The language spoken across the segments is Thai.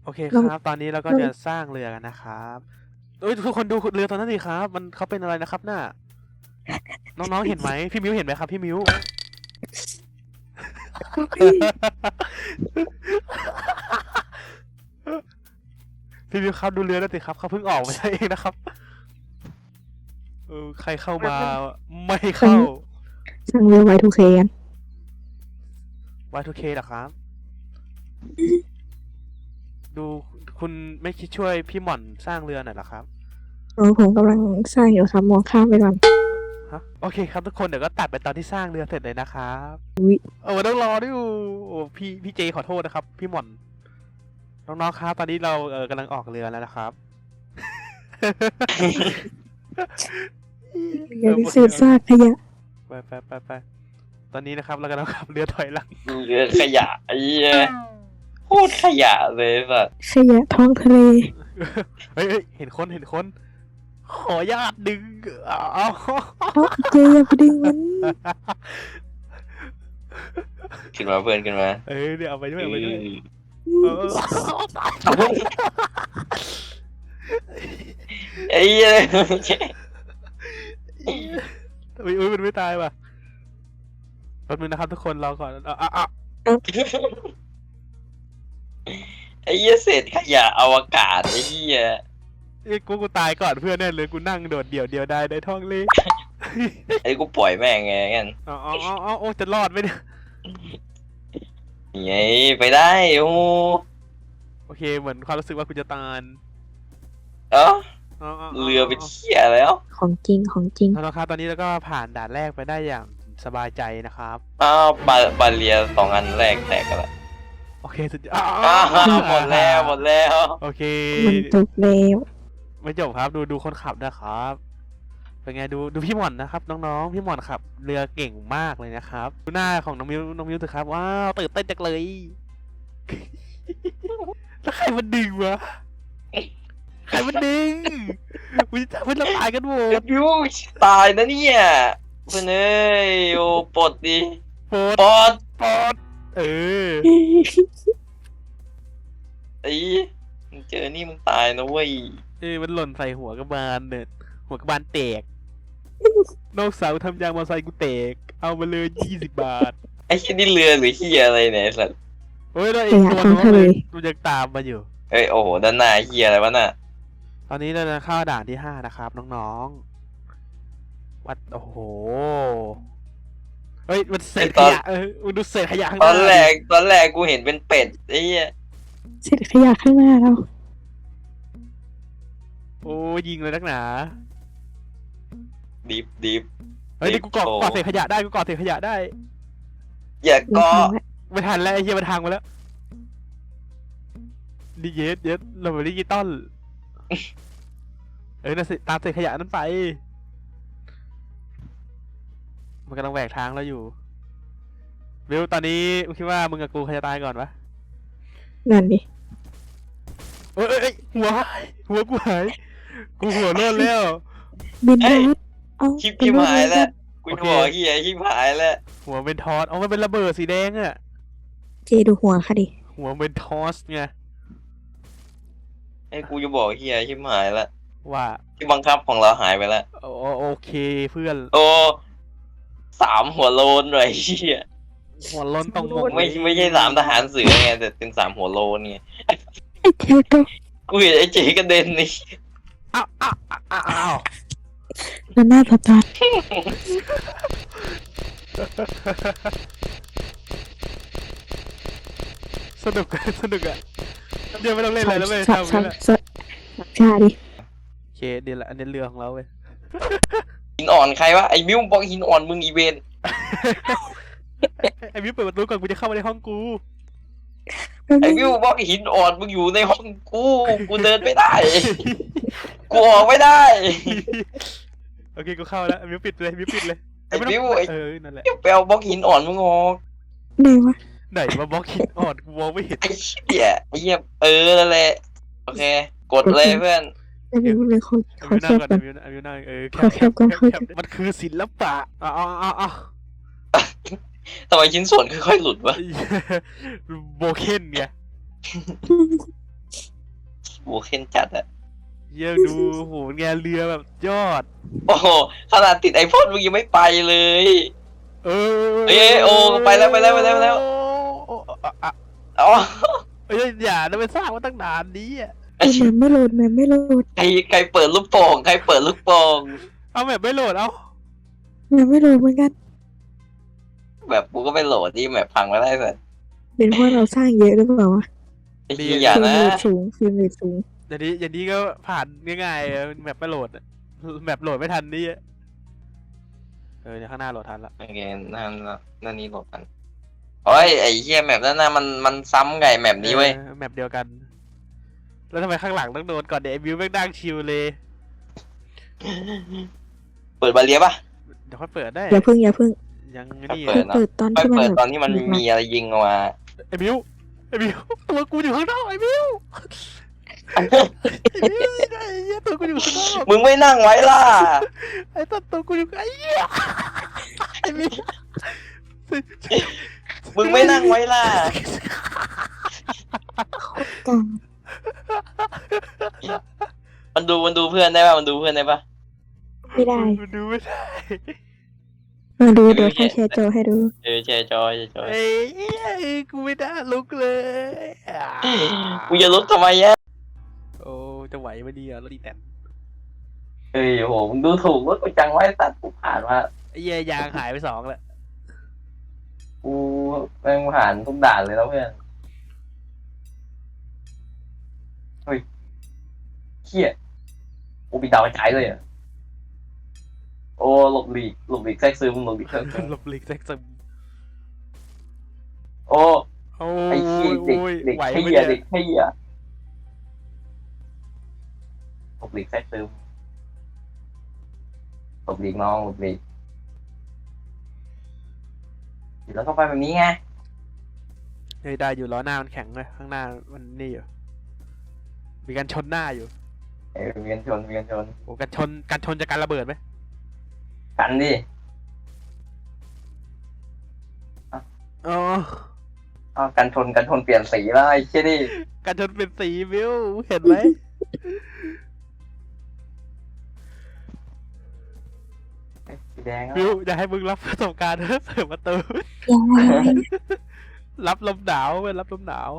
เคคเรารับ ตอนนี้เราก็เราจะสร้างเรือกันนะครับเอ้ยทุกคนดูเรือตอนนั้นดิครับ มันเขาเป็นอะไรนะครับน่ะน้องๆเห็นไหมพี่มิ้วเห็นไหมครับพี่มิ้วพี่พี่มิ้วครับดูเรือด้วยสิครับเขาเพิ่งออกมาใช่เองนะครับใครเข้ามาไม่เข้าสั่งเรือ Y2K กัน Y2K เหรอครับ ดูคุณไม่คิดช่วยพี่หม่อนสร้างเรือหน่อยเหรอครับผมกำลังสร้างอยู่ครับมองข้ามไปก่อนฮะโอเคครับทุกคนเดี๋ยวก็ตัดไปตอนที่สร้างเรือเสร็จเลยนะครับอุ๊ยต้องรอด้วยโอ้พี่เจขอโทษนะครับ พี่หม่อนน้องๆครับตอนนี้เรากำลังออกเรือแล้วนะครับเรือพิเศษซากขยะไปตอนนี้นะครับเรากำลังขับเรือถอยหลังเรือขยะไอ้เหี้ยโคตรขยะเลยสัสขยะท้องทะเลเฮ้ยเห็นคนขอญาตดึงเอาเจอย่าไปดึงมันขึ้นมาเพื่อนขึ้นมาเดี๋ยวเอาไปด้วยเอาไปด้วย ตายไอ้เหี้ยอุ้ยมันไม่ตายว่ะแป๊บนึงนะครับทุกคนรอก่อนไอ้เหี้ยเศษขยะอวกาศไอ้เหี้ยกูตายก่อนเพื่อนแน่เลยกูนั่งโดดเดี่ยวได้ในท้องเลยไอ้กูปล่อยแม่งไงกันโอ้จะรอดไหมเนี่ยไงไปได้โอ้โอเคเหมือนความรู้สึกว่ากูจะตายเอ้าอ๋อเรือเป็นเหี้ยแล้วของจริงของจริงแล้วครับตอนนี้เราก็ผ่านด่านแรกไปได้อย่างสบายใจนะครับอ้าวบาเรีย2 อันแรกแตกกันละโอเคสุดยออ้าวดหมดแล้วโอเคมันจบแล้วไม่จบครับดูคนขับนะครับเป็นไงดูพี่หม่อนนะครับน้องๆพี่หม่อนขับเรือเก่งมากเลยนะครับดูหน้าของน้องมิวเถอะครับว้าวตื่นเต้นจังเลย แล้วใครมันดึงวะใครมันดึงกูจะจับเพื่อนเราตายกันหมดยูตายนะเนี่ยเพื่อนเอ้ยโอ้ปลดดิโปรดปลดโปรดเออไอ้มึงเจอนี่มึงตายนะเว้ยมันหล่นใส่หัวกระบาลเนี่ยหัวกระบาลแตกนอกเสาทำยางมอเตอร์ไซค์กูแตกเอามาเลย20 บาทไอ้ที่นี่เรือหรือที่อะไรเนี่ยไอ้สัตว์เฮ้ยแล้วไอ้ตัวน้องเลยมันยังตามมาอยู่เอ้ยโอ้โหด้านหน้าเฮียอะไรวะน่ะตอนนี้เราจะเข้าด่านที่5นะครับน้องๆวัดโอ้โหเฮ้ยมันเศษขยะมันดูเศษขยะข้างหตอน้านแรกกูเห็นเป็นเป็ดไอ้เหี้ยเศษขยะข้างหน้าเราโอ้ยิงเลยนักหนาดิบเฮ้ยนี่กูเกาะเศษขยะได้กูเกาะเศษขยะได้อย่าไม่เก็ทันละไม่ทันแล้วไอ้เหี้ยมันทางมาแล้วดิเยสเราไม่ดิจิตอลน่ะสิตามเศษขยะนั้นไปมันกำลังแหวกทางเราอยู่วิวตอนนี้มึงคิดว่ามึงกับกูใครจะตายก่อนวะนั่นดิเอ้ยหัวกูหายกูหัวโล้นแล้วบินรถเอาคลิปหายแล้วกูจะบอกเฮียคลิปหายแล้วหัวเป็นทอสมันเป็นระเบิดสีแดงอะเจดูหัวค่ะดิหัวเป็นทอสไงไอ้กูจะบอกเฮียคลิปหายแล้วว่าที่บังคับของเราหายไปแล้วโอเคเพื่อนโอ้3 หัวโลนเลยเฮียหัวโล้นตรงหมกไม่ใช่3 ทหารเสือไงแต่เป็น3 หัวโลนไงไอ้เจก็กูเห็นไอ้เจ๊กระเด็นนี่อ้าวนั่นหน้าตาตาสนุกอะเดี๋ยวไม่ต้องเล่นอะไรแล้วเว้ยสับทำสันี่บแหละสับชาดิโอเคเดี๋ยวละอันนี้เรือของเราเว้ยหินอ่อนใครวะไอ้มิวบอกหินอ่อนมึงอีเวนไอ้มิวเปิดประตูก่อนกูจะเข้ามาในห้องกูไอ้มิวบอกหินอ่อนมึงอยู่ในห้องกูเดินไม่ได้ กูออกไม่ได้โอเคกูเข้าแล้วมิวปิดเลยไอ้มิวนั่นแหละไปเอาบล็อกหินอ่อนมึงออกไหนวะไหนมาบล็อกหินอ่อนกูมองไม่เห็นไอ้เหี้ยนั่นแหละโอเค กดเลยเพื่อนไอ้บิวเลยขอมิวแคนั่งบก่อนก่อนมิวนั่งขอแคปก่อนมันคือศิลปะอ๋อทำไมชิ้นส่วนค่อยๆหลุดวะโบเคนไงโเคนจัดอะเยี่ยดูโหแงเรือแบบยอดโอ้โหขนาดติดไอพ่นมึงยังไม่ไปเลยเออเอ้ยโอ้ไปแล้วไปแล้วไปแล้วไปแล้ว อ๋อเอ้ยอย่านะไปสร้างมาตั้งนานนี้อ่ะคือแมมไม่โหลดแมมไม่โหลดใครเปิดลูกโป่งใครเปิดลูกโป่งเอาแบบไม่โหลดเอาแมมไม่โหลดเหมือนกันแบบกูก็ไปโหลดที่แมปพังมาได้สัสเป็นเพราะเราสร้างเยอะหรือเปล่าวะไอ้เหี้ยอย่าฟิล์มนะเรทสูงฟิล์มเรทสูงอย่างนี้ก็ผ่านง่ายๆแบบไม่โหลดอะแบบโหลดไม่ทันนี่อะเดี๋ยวข้างหน้าโหลดทันละโอเคนั่นนี่โหลดกันโอ้ยไอ้เหี้ยแมปนั่นน่ะมันซ้ำไงแมปนี้เว้ยแมปเดียวกัน แล้วทำไมข้างหลังต้องโดนก่อนเดี๋ยวไอ้บิวแม่งนั่งชิลเลยเปิดบาเลียป่ะเดี๋ยวค่อยเปิดได้อย่าพึ่งอย่าพึ่งยังนี่เปิค่อยด เนอะเปิดตอนไปที่มันเปิดแบบตอนที่มันมีอะไรยิงออกมาไอ้บิวตัวกูอยู่ข้างนอกไอ้บิวไอ้เหี้ยตัวกูอยู่ข้างนอกมึงไม่นั่งไว้ล่ะไอ้ตัวกูอยู่ไอ้เหี้ยไอ้บิวมึงไม่นั่งไว้ล่ะกลางมันดูเพื่อนได้ป่ะมันดูเพื่อนได้ป่ะไม่ได้มันดูไม่ได้มาดูเดี๋ยวค่อยแชร์จอให้ดูแชร์จอยแชร์จอยไอ้เหี้ยกูไม่ได้ลุกเลยกูจะลบทำไมอะโอ้จะไหวไหมดีอ่ะรถดีแต่เฮ้ยโหมึงดูถูกว่ากูจังไว้สัตว์กูผ่านมาไอ้เหี้ยยางหายไป2แล้วกูแม่งผ่านทุกด่านเลยแล้วเพื่อนเฮ้ยเขี้ยกูปีดาวกระจายเลยอ่ะโอ้หลบหลีกแทรกซึมหลบหลีกแทรกซึมหลบหลีกแซกซึมโอ้โอ้ไอ้เขี้ยเด็กไหวเขี้ไหมยเนี่เด็ยกเขี้ยหลบหลีกแทรกซึมหลบหลีกน้องหลบหลีกแล้วก็ไปแบบนี้ไงเฮ้ยได้อยู่ล้อหน้ามันแข็งเลยข้างหน้ามันนี่อยู่มีการชนหน้าอยู่เวียนชนโอ้การชนจะการระเบิดไหมกันดิอ๋ออ้าวกันชนเปลี่ยนสีแล้วไอ้เชี่ยนี่การชนเป็นสีวิวเห็นไหมสีแดงวิวจะให้มึงรับประสบการณ์ เปิดประตูยังไงรับลมหนาวเว้ยรับลมหนาว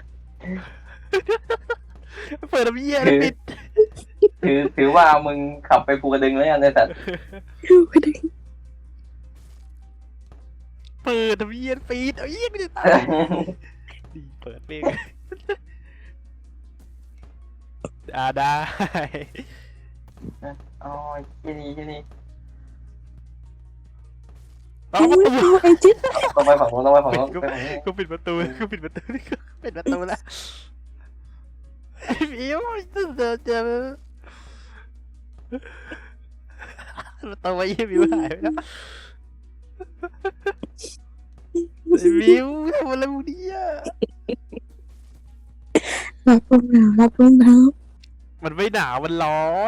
เปิดน้ำเยี่ยแล้วปิดถือว่ามึงขับไปภูกระดึงแล้วกันในสัตว์เปิดน้ำเยี่ยปิดเอาเยี่ยไม่ได้ตายดีเปิดเองได้อ๋อที่นี่เอาประตูไอ้จิ๊ดต้องไปฝั่งนู้นไปฝั่งนู้นก็ปิดประตูก็ปิดประตูนี่ก็ปิดประตูแล้วไอ้พี่ว่าจะประตูไว้ยี่มิวหายไปแล้วไอ้มิวทำอะไรมึงเนี่ยรับลมหนาวรับลมหนาวมันไม่หนาวมันร้อน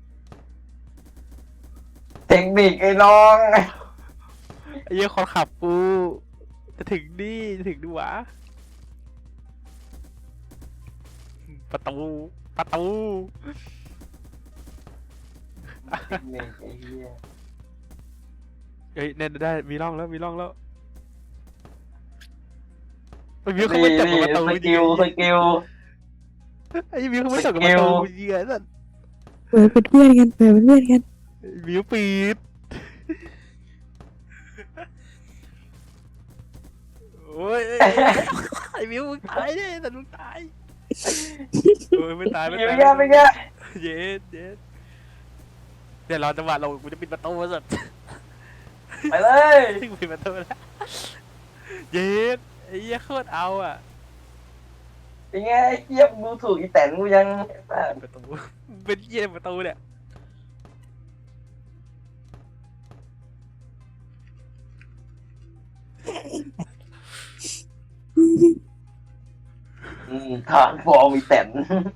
เทคนิคไอ้น้องไอ้เหี้ยคนขับกูจะถึงนี่จะถึงดูวะประตูเทคนิคไอ้เหี้ยเอ้ยเนี่ยได้มีร่องแล้วไอ้มิวเขาไม่จับกับประตูสจริกิงลไอ้มิวเขาไม่จับกับประตูจริงไอ้สัสเปิดเป็นเพื่อนกันเปิดเป็นเพื่อนกันมิวปิดโอ้ยไอ้มิวมึงตายดิแต่มึงตายโอ้ยไม่ตายไม่แย่เย็ดเดี๋ยวรอจังหวะลงกูจะปิดประตูสุดไปเลยถึงปิดประตูแล้วเย็ดไอ้เหี้ยโคตรเอาอ่ะเป็นไงไอ้เหี้ยดูถูกอีแตนกูยังประตูเป็นเหี้ยประตูเนี่ยทางฟอร์มอีแตน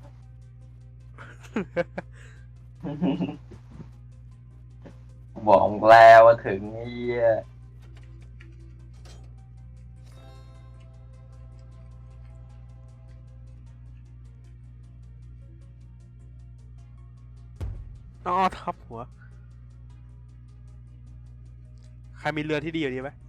บอกแล้วว่าถึงไอ้เหี้ยอ๋อทับหัว ใครมีเรือที่ดีกว่านี้ไหม